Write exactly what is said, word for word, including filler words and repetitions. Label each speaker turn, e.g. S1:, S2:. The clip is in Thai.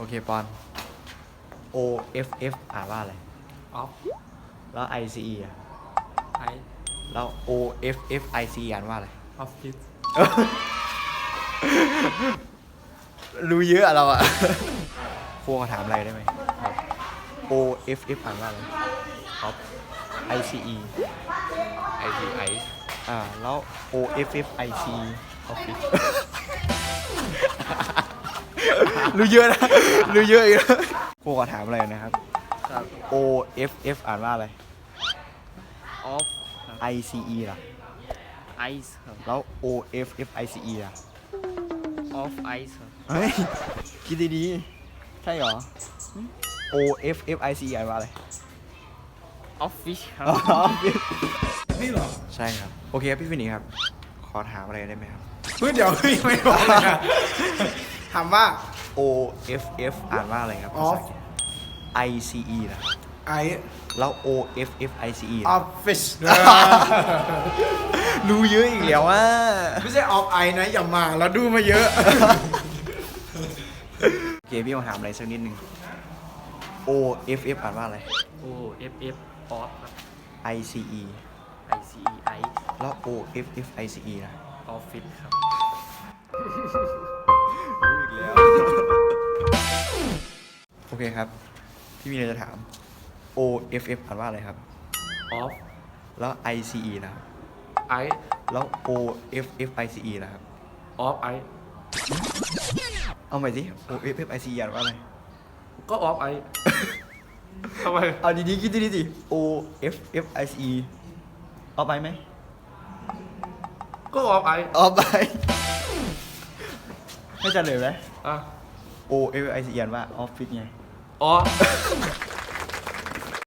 S1: เคปอน O F F อ่านว่าอะไร
S2: ออฟ
S1: แล้ว I C E อ่ะ
S2: ไอ
S1: แล้ว O F F I C E อ่านว่าอะไร
S2: ออฟฟิศ
S1: รู้เยอะอะเราอะ ครูขอถามอะไรได้ไหม O F F อ่านว่าอะไร
S2: ออฟ
S1: I C E
S2: ไอทีไอ
S1: อ่าแล้ว O F F I C E
S2: ออฟฟิศ
S1: รู้เยอะนะ รู้เยอะอีกแล้วครูขอถามอะไรนะครับ
S2: ครับ
S1: O F F อ่านว่าอะไร
S2: ออฟ
S1: I C E ล่ะ
S2: ไอซ์ครับ
S1: แล้ว O F F I C E ล่ะ
S2: ออฟไอซ์ครับ
S1: เฮ้ย คิดดีๆ ใช่เหรอ O F F I C E อ่านว่าอะไร
S2: ออฟฟิศครับ
S3: นี่เหรอ
S1: ใช่ครับ โอเคครับพี่ฟินิกส์ครับ ขอถามอะไรได้ไหมครับ
S3: เฮ้ยเดี๋ยวพี่ไม่บอกเลยนะถามว่า
S1: O F F อ่านว่าอะไรครับภาษาอังกฤษ I C E นะ
S3: ไอ
S1: แล้ว O F F I C E
S3: ออ
S1: นะ
S3: ฟฟิศ
S1: รู้เยอะอีกแล้วว่า
S3: ไม่ใช่ออฟไอนะอย่ามาเราดูมาเยอะ
S1: โอเคพี่มาถามอะไรสักนิดนึง O F F อ่านว่าอะไร
S2: โอเอฟเอฟออฟครับ
S1: I C E
S2: ไอซีไอ
S1: แล้ว O F F I C E นะ
S2: ออฟฟิศครับ
S1: รู้อีกแล้ว โอเคครับ พี่มีอะไรจะถาม O F F อ่านว่าอะไรครับ
S2: ออฟ
S1: แล้ว I C E นะครับ
S2: ไอ
S1: แล้ว O F F I C E นะครับ
S2: ออฟไอ
S1: เอาใหม่สิ O F F I C E อ่านว่าอะไร
S2: ก็ออฟไอทำไม
S1: เอาดีๆคิดดีๆสิ O F F I C E เอาไปไหม
S2: ก็ออฟไอ
S1: เอาไป ให้จะเลยไหม
S2: อ่ะ
S1: O F F I C E อ่านว่าออฟฟิศไง
S2: ออฟ